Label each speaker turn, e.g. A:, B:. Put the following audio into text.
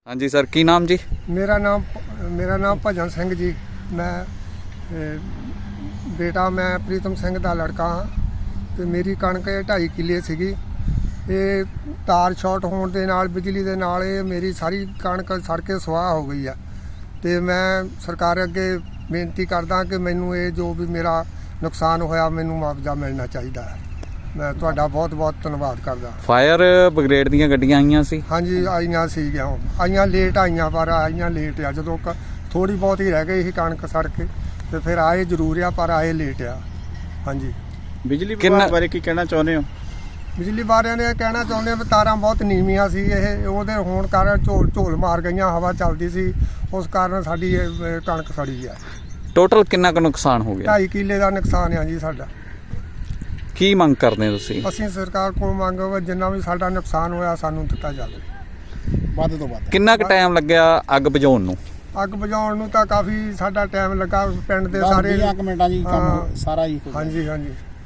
A: हाँ जी सर, की नाम जी?
B: मेरा नाम भजन सिंह जी। मैं बेटा मैं प्रीतम सिंह ਦਾ ਲੜਕਾ ਹਾਂ ਤੇ ਮੇਰੀ ਕਣਕ 2.5 ਕਿੱਲੇ ਸੀਗੀ। ਇਹ ਤਾਰ ਸ਼ਾਰਟ ਹੋਣ ਦੇ ਨਾਲ ਬਿਜਲੀ ਦੇ ਨਾਲ ਇਹ ਮੇਰੀ ਸਾਰੀ ਕਣਕ ਸੜ ਕੇ ਸੁਆਹ ਹੋ ਗਈ ਆ ਤੇ ਮੈਂ ਸਰਕਾਰ ਅੱਗੇ ਬੇਨਤੀ ਕਰਦਾ ਕਿ ਮੈਨੂੰ ਇਹ ਜੋ ਵੀ ਮੇਰਾ ਨੁਕਸਾਨ ਹੋਇਆ ਮੈਨੂੰ ਮੁਆਵਜ਼ਾ ਮਿਲਣਾ ਚਾਹੀਦਾ ਹੈ। ਮੈਂ ਤੁਹਾਡਾ ਬਹੁਤ ਬਹੁਤ ਧੰਨਵਾਦ ਕਰਦਾ।
A: ਫਾਇਰ ਬ੍ਰਿਗੇਡ ਦੀਆਂ ਗੱਡੀਆਂ ਆਈਆਂ ਸੀ?
B: ਹਾਂਜੀ ਆਈਆਂ ਸੀਗੀਆਂ, ਆਈਆਂ ਲੇਟ ਆਈਆਂ, ਪਰ ਆਈਆਂ ਲੇਟ ਆ। ਜਦੋਂ ਥੋੜੀ ਬਹੁਤ ਹੀ ਰਹਿ ਗਈ ਸੀ ਕਣਕ ਸੜ ਕੇ ਤੇ ਫਿਰ ਆਏ ਜ਼ਰੂਰ ਆ, ਪਰ ਆਏ ਲੇਟ ਆ। ਹਾਂਜੀ,
C: ਬਿਜਲੀ ਵਿਭਾਗ ਬਾਰੇ ਕੀ ਕਹਿਣਾ ਚਾਹੁੰਦੇ ਹੋ?
B: ਬਿਜਲੀ ਵਾਲਿਆਂ ਨੇ ਕਹਿਣਾ ਚਾਹੁੰਦੇ ਆ ਵੀ ਤਾਰਾਂ ਬਹੁਤ ਨੀਵੀਆਂ ਸੀ, ਇਹ ਉਹਦੇ ਹੋਣ ਕਾਰਨ ਝੋਲ ਮਾਰ ਗਈਆਂ, ਹਵਾ ਚੱਲਦੀ ਸੀ, ਉਸ ਕਾਰਨ ਸਾਡੀ ਇਹ ਕਣਕ ਸੜੀ ਆ।
A: ਟੋਟਲ ਕਿੰਨਾ ਕੁ ਨੁਕਸਾਨ ਹੋ ਗਿਆ?
B: 2.5 ਕਿੱਲੇ ਦਾ ਨੁਕਸਾਨ ਆ ਜੀ ਸਾਡਾ।
A: ਕੀ ਮੰਗ ਕਰਦੇ ਹੋ ਤੁਸੀਂ?
B: ਅਸੀਂ ਸਰਕਾਰ ਕੋਲ ਮੰਗ ਜਿੰਨਾ ਵੀ ਸਾਡਾ ਨੁਕਸਾਨ ਹੋਇਆ ਸਾਨੂੰ ਦਿੱਤਾ ਜਾਵੇ,
C: ਵੱਧ ਤੋਂ ਵੱਧ।
A: ਕਿੰਨਾ ਕੁ ਟਾਈਮ ਲੱਗਿਆ ਅੱਗ ਬੁਝਾਉਣ ਨੂੰ?
B: ਅੱਗ ਬੁਝਾਉਣ ਨੂੰ ਤਾਂ ਕਾਫੀ ਸਾਡਾ ਟਾਈਮ ਲੱਗਾ। ਪਿੰਡ ਦੇ ਸਾਰੇ
C: 10-20 ਮਿੰਟਾਂ ਜੀ ਕੰਮ ਸਾਰਾ ਹੀ।
B: ਹਾਂਜੀ।